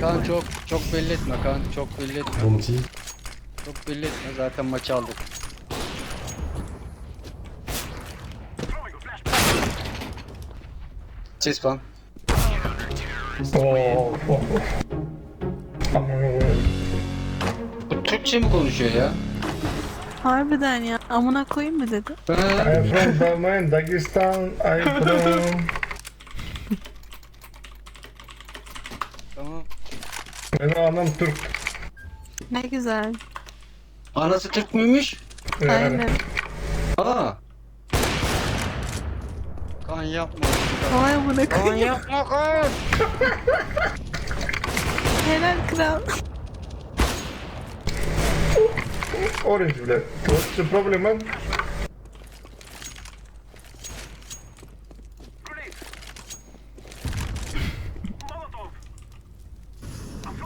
Kaan çok belli etme Kaan, çok belli etme. Bounty. Çok belli etme, zaten maçı aldık. Ses falan. Oh. Bu Türkçe mi konuşuyor ya? Harbiden ya. Amına koyayım mı dedi? Ha, I'm from Balmain, Dagestan. I'm from... tamam. Benim anam Türk. Ne güzel. Anası Türk müymüş? Yani. Aynen. Aa. Kaan yapma. Vay amına Kaan koyayım. yapma Kaan. Helal kral. Orange bile. What's the problem, man?